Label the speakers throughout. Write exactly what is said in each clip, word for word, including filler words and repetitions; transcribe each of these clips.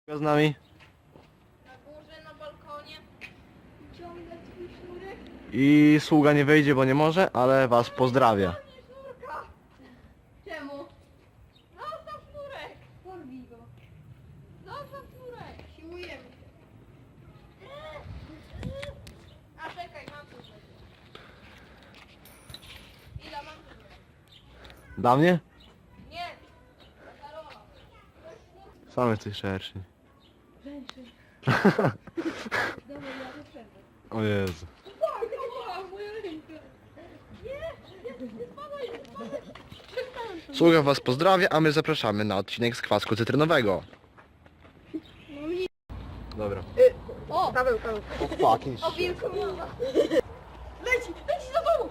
Speaker 1: Z nami
Speaker 2: Na górze, na balkonie. Ciągle twój sznurek.
Speaker 1: i sługa nie wyjdzie, bo nie może, ale was pozdrawia.
Speaker 2: Nie sznurka. Czemu? Zostaw sznurek. Porwij go. Zostaw sznurek. Siłujemy się. A czekaj, mam tu coś. Ile mam tu?
Speaker 1: Dla mnie?
Speaker 2: Nie. Dla Karola.
Speaker 1: Sam jesteś szerszy.
Speaker 2: Dobra, ja to przerwę.
Speaker 1: O Jezu.
Speaker 2: Tak, tak, moja ręka. Nie, nie, nie spadaj, nie spadaj. Przestałem to.
Speaker 1: Sługa was pozdrawia, a my zapraszamy na odcinek z kwasku cytrynowego.
Speaker 2: No nie.
Speaker 1: Dobra.
Speaker 2: O!
Speaker 3: Paweł, Paweł.
Speaker 1: O fucking
Speaker 2: O wilku mowa. Leci, leci za tobą!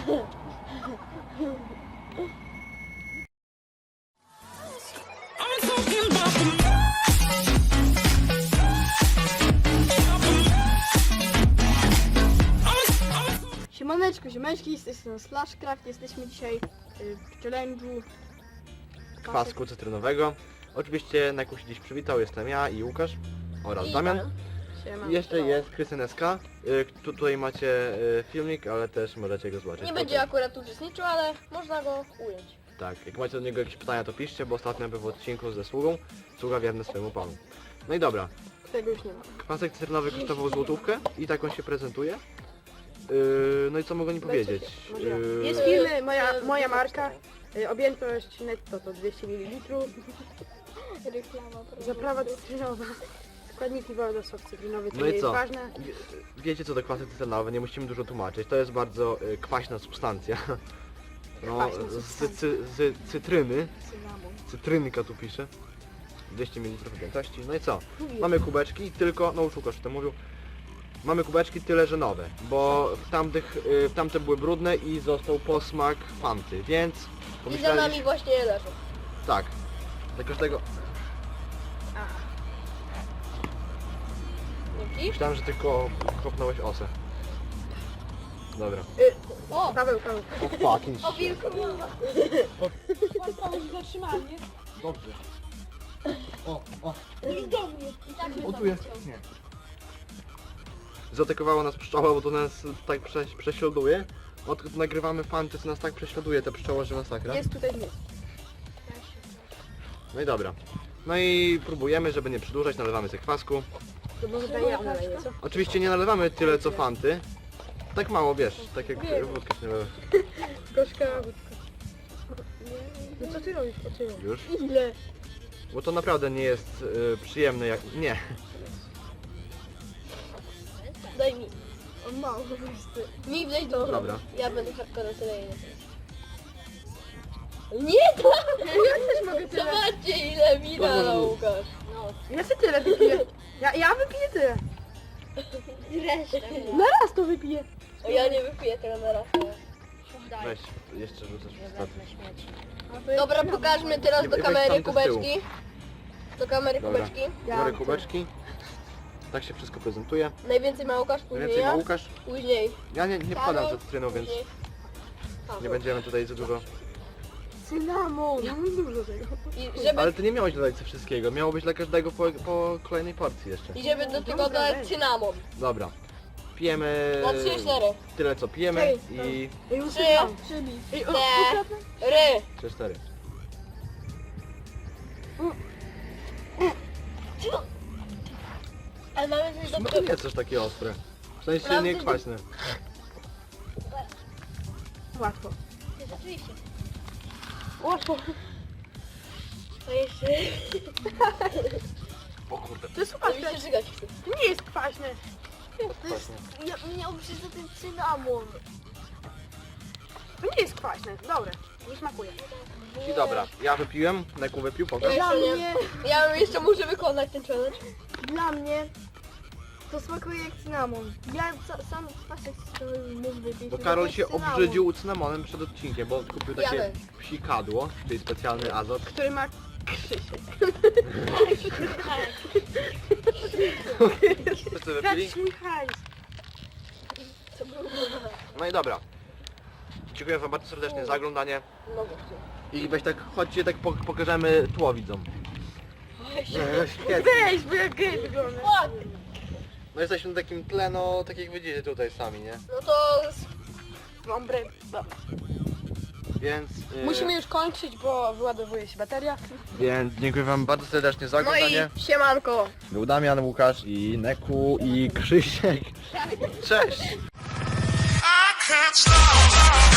Speaker 3: Siemaneczko, ziomeczki, z tej strony Slashcraft. Jesteśmy dzisiaj y, w challenge'u
Speaker 1: Kwasku cytrynowego. Oczywiście na jaku się dziś przywitał, jestem ja i Łukasz oraz
Speaker 2: I
Speaker 1: Damian.
Speaker 3: Siema.
Speaker 1: I jeszcze jest Krystian S K. Y, tu- Tutaj macie y, filmik, ale też możecie go zobaczyć.
Speaker 2: Nie będzie akurat uczestniczył, ale można go ująć.
Speaker 1: Tak, jak macie do niego jakieś pytania, to piszcie, bo ostatnio był w odcinku ze sługą. Sługa wierny swojemu panu. No i dobra.
Speaker 3: Tego już nie ma.
Speaker 1: Kwasek cytrynowy kosztował złotówkę i tak on się prezentuje. Yy, no i co mogę nie powiedzieć?
Speaker 3: Może ja.
Speaker 1: Yy,
Speaker 3: Jest firmy, moja, moja marka. Y, objętość netto to dwieście mililitrów.
Speaker 2: Reklama.
Speaker 3: Zaprawa cytrynowa. Składniki woda, sok cytrynowy, to
Speaker 1: No
Speaker 3: nie
Speaker 1: i
Speaker 3: jest
Speaker 1: co?
Speaker 3: ważne.
Speaker 1: Wie- Wiecie co to kwasy cytrynowe, nie musimy dużo tłumaczyć. To jest bardzo y, kwaśna substancja. No,
Speaker 3: Kwaśna
Speaker 1: z,
Speaker 3: substancja.
Speaker 1: cy, z cytryny,
Speaker 3: Cynamon.
Speaker 1: cytrynka tu pisze. dwieście mililitrów objętości. No i co?
Speaker 3: Mówię.
Speaker 1: Mamy kubeczki, tylko, no już Łukasz o tym mówił. Mamy kubeczki tyle, że nowe, bo w tamtych, y, w tamte były brudne i został posmak fanty, więc
Speaker 2: I za
Speaker 1: pomyśleliśmy-
Speaker 2: nami właśnie leżą.
Speaker 1: Tak, dla każdego.
Speaker 2: Dzięki.
Speaker 1: Myślałem, że tylko kopnąłeś osę. Dobra.
Speaker 3: Y,
Speaker 2: O!
Speaker 3: Paweł, Paweł.
Speaker 1: O fucking
Speaker 2: O wilku mowa.
Speaker 1: Dobrze. O, o.
Speaker 2: I do mnie. I tak
Speaker 1: O tu jest. Nie. Zaatakowała nas pszczoła, bo to nas tak prze, prześladuje. Odkąd nagrywamy fanty, to nas tak prześladuje ta pszczoła, że masakra.
Speaker 3: Jest tutaj nic.
Speaker 1: No i dobra. No i próbujemy, żeby nie przedłużać, nalewamy sobie kwasku.
Speaker 3: To może daj ja naleję, co?
Speaker 1: Oczywiście nie nalewamy tyle co fanty. Tak mało, wiesz, tak jak wódkę się nalewa.
Speaker 3: Gorzka wódka. No co ty robisz? O ty robisz?
Speaker 1: Już.
Speaker 3: Ile?
Speaker 1: Bo to naprawdę nie jest y, przyjemne jak... Nie.
Speaker 2: Daj mi.
Speaker 3: On mało po prostu.
Speaker 2: Mi wleź do
Speaker 1: Dobra.
Speaker 2: Ja będę hardcore tyle ile. Nie to!
Speaker 3: Ja też mogę tyle.
Speaker 2: Zobaczcie ile mi
Speaker 1: Dobra,
Speaker 2: dał
Speaker 1: mów.
Speaker 2: Łukasz. No.
Speaker 3: Ja sobie tyle wypiję. Ja, ja wypiję tyle.
Speaker 2: Resztę.
Speaker 3: Na raz to wypiję.
Speaker 2: O, ja nie wypiję tego na raz.
Speaker 1: Weź, jeszcze rzucasz w staty.
Speaker 2: Dobra, pokażmy teraz
Speaker 1: Nie,
Speaker 2: do
Speaker 1: weź
Speaker 2: kamery
Speaker 1: tamte z tyłu.
Speaker 2: kubeczki. Do kamery
Speaker 1: Dobra.
Speaker 2: kubeczki.
Speaker 3: Ja
Speaker 1: Biorę
Speaker 3: mam
Speaker 1: kubeczki. Tak się wszystko prezentuje.
Speaker 2: Najwięcej ma Łukasz, później
Speaker 1: Więcej ma
Speaker 2: ja.
Speaker 1: Łukasz.
Speaker 2: Później
Speaker 1: Ja nie, nie
Speaker 2: Karol,
Speaker 1: wpadam za cytryną, więc
Speaker 2: później Paweł.
Speaker 1: nie będziemy tutaj za dużo.
Speaker 3: Cynamon. Ja mam dużo tego.
Speaker 2: I żeby,
Speaker 1: Ale ty nie miałeś dodać ze wszystkiego. Miało być dla każdego po, po kolejnej porcji jeszcze.
Speaker 2: i żeby do tego
Speaker 3: Dobra,
Speaker 2: dodać
Speaker 3: weź.
Speaker 2: cynamon.
Speaker 1: Dobra. Pijemy
Speaker 2: Na trzy, cztery.
Speaker 1: tyle co pijemy
Speaker 3: Ej,
Speaker 1: i
Speaker 3: Ej,
Speaker 2: Trzy.
Speaker 3: usypam. Ej, o,
Speaker 2: Cztery.
Speaker 3: ukradnę.
Speaker 2: Ry.
Speaker 1: trzy cztery.
Speaker 2: Ale mamy coś do
Speaker 1: No to nie jest coś takie ostre. W sensie
Speaker 2: Mam
Speaker 1: nie
Speaker 2: coś do-
Speaker 1: kwaśne.
Speaker 3: Łatwo.
Speaker 2: Rzeczywiście.
Speaker 3: Łatwo.
Speaker 2: To jeszcze...
Speaker 1: O kurde.
Speaker 3: To jest
Speaker 2: To
Speaker 3: łatwe.
Speaker 2: mi się żygać chce.
Speaker 3: To nie jest kwaśne.
Speaker 2: To jest... Ja, miał być za ten cynamon.
Speaker 3: To nie jest kwaśne. Dobre. Nie smakuje.
Speaker 1: I dobra, ja wypiłem, Neku wypił,
Speaker 2: Ja
Speaker 1: pokaż.
Speaker 3: Dla
Speaker 2: jeszcze, nie,
Speaker 3: mnie-
Speaker 2: ja jeszcze muszę wykonać ten challenge.
Speaker 3: Dla mnie to smakuje jak cynamon. Ja ca- sam kwasek cytrynowy mógł wypić.
Speaker 1: Bo
Speaker 3: to
Speaker 1: Karol
Speaker 3: jak
Speaker 1: się
Speaker 3: cynamon,
Speaker 1: obrzydził cynamonem przed odcinkiem, bo kupił takie
Speaker 2: Jadę.
Speaker 1: psikadło, czyli specjalny azot.
Speaker 3: Który ma Krzysiek.
Speaker 1: Wszyscy wypili?
Speaker 3: Trać mój hajs.
Speaker 2: To było...
Speaker 1: No i dobra. Dziękuję wam bardzo serdecznie za oglądanie.
Speaker 2: No właśnie.
Speaker 1: I weź tak, chodźcie tak po- pokażemy tło widzom.
Speaker 2: Weź.
Speaker 1: No, świetnie.
Speaker 3: Weź, bo jak gej wygląda.
Speaker 2: Ładnie.
Speaker 1: No jesteśmy na takim tle, no tak jak widzicie tutaj sami, nie?
Speaker 3: No to... Mam break. Dobra.
Speaker 1: Więc... y,
Speaker 2: Musimy już kończyć, bo wyładowuje się bateria.
Speaker 1: Więc dziękuję wam bardzo serdecznie za
Speaker 3: No
Speaker 1: oglądanie.
Speaker 3: i siemanko.
Speaker 1: Był Damian, Łukasz i Neku i Krzysiek. Cześć!
Speaker 4: I can't stop.